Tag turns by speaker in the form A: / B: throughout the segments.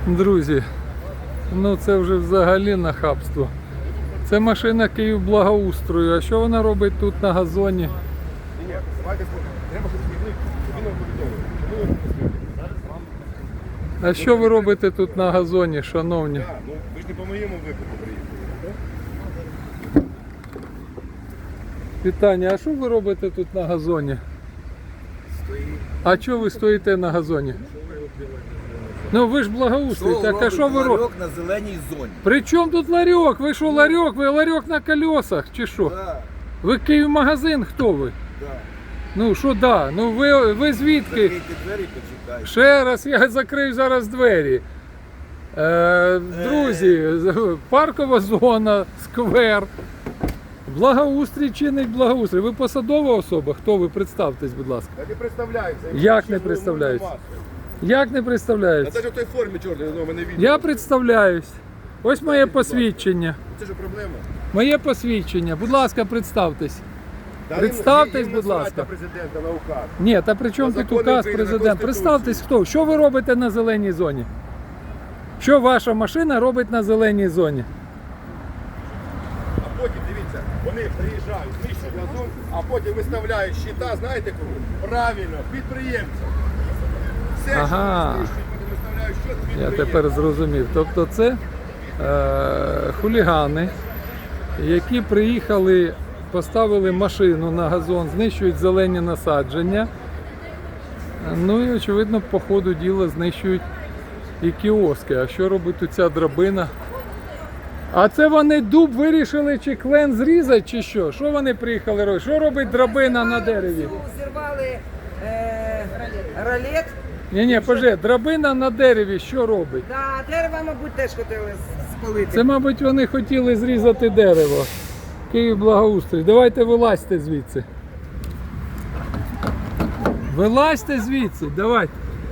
A: Друзі, ну це вже взагалі нахабство. Це машина Київблагоустрою. А що вона робить тут на газоні? А що ви робите тут на газоні, шановні?
B: Ну, ви ж не по моєму виклику приїхали.
A: Питання, а що ви робите тут на газоні? А чого ви стоїте на газоні? Ну ви ж благоустрій, так а що ви робите?
C: Ларьок на зеленій зоні.
A: При чому тут ларьок? Ви що ларьок? Ви ларьок на колесах чи що?
C: Да,
A: Ви Київмагазин, хто ви?
C: да.
A: Ну що да? Ну ви звідки?
C: Закрийте двері і почекайте.
A: Ще раз я закрию зараз двері. Друзі, паркова зона, сквер. Благоустрій чинить благоустрій. Ви посадова особа? Хто ви? Представтесь, будь ласка.
B: Я не представляюся.
A: Як не представляюсь? Як не
B: А
A: представляюсь?
B: це ж в той формі чорний, ну, мене відео.
A: Я представляюсь. Ось моє посвідчення.
B: Це ж проблема.
A: Моє посвідчення. Будь ласка, представтесь.
B: Та
A: Представтесь,
B: їм
A: будь
B: насрать
A: ласка.
B: на президента, на указ.
A: Ні, та при чому
B: На
A: тут
B: закони
A: указ
B: України, на
A: президент?
B: Конституцію.
A: Представтесь хто? Що ви робите на зеленій зоні? Що ваша машина робить на зеленій зоні?
B: А потім, дивіться, вони приїжджають, знищують газон, а потім виставляють щита, знаєте кому? Правильно, підприємцям. Все,
A: Ага.
B: що знищують, потім виставляють щит
A: Я
B: підприємцям.
A: тепер зрозумів. Тобто це хулігани, які приїхали, поставили машину на газон, знищують зелені насадження. Ну і очевидно по ходу діла знищують і кіоски. А що робить ця драбина? А це вони дуб вирішили чи клен зрізати, чи що? Що вони приїхали робити? Що робить драбина на дереві?
D: Зірвали ролет.
A: Ні, поже, драбина на дереві що робить?
D: Да, дерева, мабуть, теж хотіли спалити.
A: Це, мабуть, вони хотіли зрізати дерево. Київблагоустрій. Давайте вилазьте звідси. Вилазьте звідси, давайте.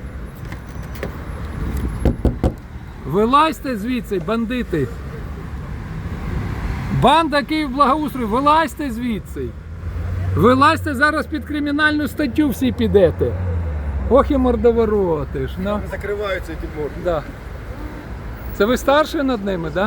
A: Вилазьте звідси, бандити. Банда Київблагоустрою, вилазьте звідси. Вилазьте, зараз під кримінальну статтю всі підете. Ох і мордовороти ж. Ну.
B: Закриваються ті морди.
A: Да. Це ви старший над ними, так? Да?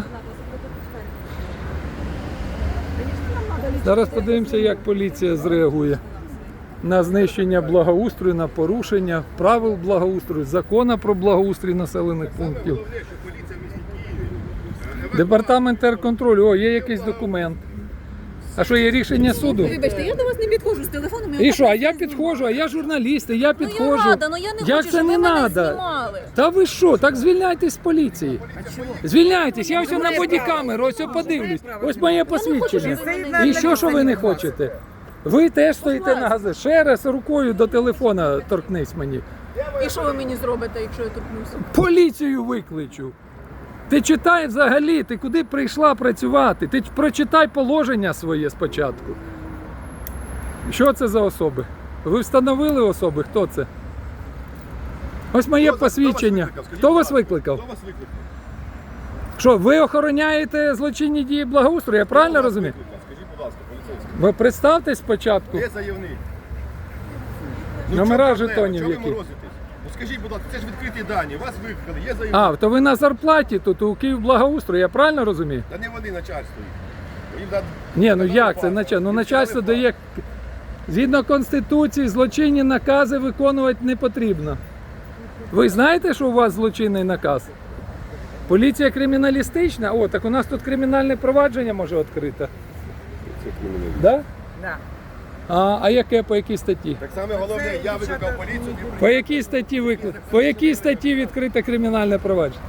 A: Зараз подивимося, як поліція зреагує на знищення благоустрою, на порушення правил благоустрою, закону про благоустрій населених пунктів.
B: Головне, що поліція в місті Києві.
A: Департамент терконтролю, о, є якийсь документ. А що, є рішення суду?
E: Вибачте, я до вас не підходжу з телефоном.
A: І що, а я підходжу, а я журналіст, і я
E: Ну
A: підходжу.
E: я рада, ну я не
A: Як
E: хочу,
A: це
E: щоб
A: не
E: ви мене
A: надо?
E: знімали.
A: Та ви що, так звільняйтесь з поліції. Звільняйтесь, я ось на бодікамеру, ось подивлюсь. Ось моє посвідчення. І що ви не хочете? Ви теж стоїте на газі. Ще раз рукою до телефона торкнись мені.
E: І що ви мені зробите, якщо я торкнуся?
A: Поліцію викличу. Ти читай взагалі, ти куди прийшла працювати? Ти прочитай положення своє спочатку. Що це за особи? Ви встановили особи? Хто це? Ось моє посвідчення. Хто вас викликав?
B: Хто вас викликав?
A: Що, ви охороняєте злочинні дії благоустрою, я правильно розумію?
B: Скажіть, будь ласка, поліцейський.
A: Ви представтесь спочатку.
B: Де заявник?
A: Номера
B: в чому проблема?
A: жетонів
B: Чого ви
A: які?
B: морозитесь? Ну скажіть, будь ласка, це ж відкриті дані, вас викликали, є заявник.
A: А, то ви на зарплаті тут у Київблагоустрою, я правильно розумію?
B: Та не вони начальство. Їм да-
A: Ні, ну
B: дали
A: як
B: факт.
A: це начальство? Ну
B: Їм
A: начальство
B: дали
A: дає. Згідно Конституції, злочинні накази виконувати не потрібно. Ви знаєте, що у вас злочинний наказ? Поліція криміналістична? О, так у нас тут кримінальне провадження може відкрите. Да?
D: Да.
A: А яке, по якій статті?
B: Так саме головне, я викликав поліцію, не
A: По якій статті по якій статті відкрите кримінальне провадження?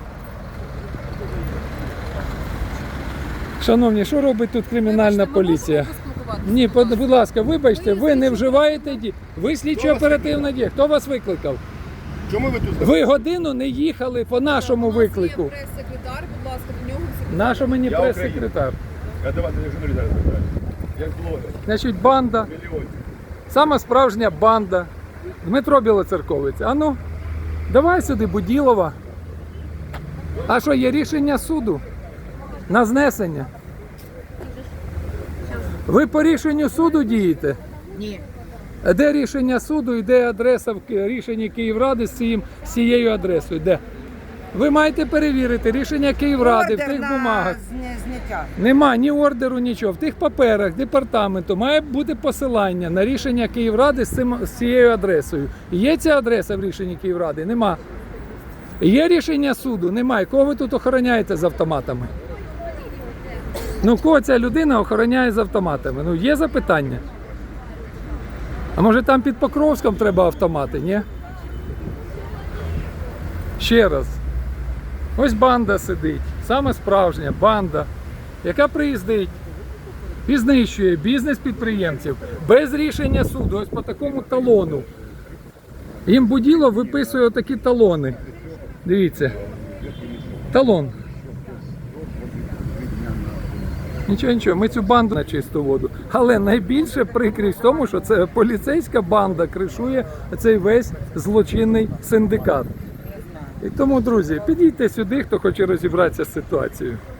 A: Шановні, що робить тут кримінальна поліція? Ні, будь ласка, вибачте, ви не вживаєте дії. Ви слідчо-оперативна дія. Хто вас викликав?
B: Чому ви тут?
A: Ви годину не їхали по нашому виклику.
E: Прес-секретар, будь ласка, до нього
A: Наша мені
B: Я
A: прес-секретар.
B: Я давайте я журналіст зараз забираю. Як блогер.
A: Значить, банда,
B: Мільйонів.
A: сама справжня банда. Дмитро Білоцерковець. А ну, давай сюди, Буділова. А що, є рішення суду на знесення? Ви по рішенню суду дієте?
D: Ні.
A: А де рішення суду і де адреса в рішенні Київради з цією адресою? Де? Ви маєте перевірити рішення Київради в
D: Ордер
A: тих
D: на
A: бумагах.
D: зняття.
A: Нема ні ордеру, нічого. В тих паперах департаменту має бути посилання на рішення Київради з цією адресою. Є ця адреса в рішенні Київради? Нема. Є рішення суду? Немає. Кого ви тут охороняєте з автоматами? Ну, кого ця людина охороняє з автоматами? Ну, є запитання? А може там під Покровськом треба автомати, ні? Ще раз. Ось банда сидить, саме справжня банда, яка приїздить і знищує бізнес підприємців без рішення суду, ось по такому талону. Їм Буділов виписує отакі талони. Дивіться. Талон. Нічого, ми цю банду на чисту воду. Але найбільше прикрість в тому, що це поліцейська банда кришує цей весь злочинний синдикат. І тому, друзі, підійте сюди, хто хоче розібратися з ситуацією.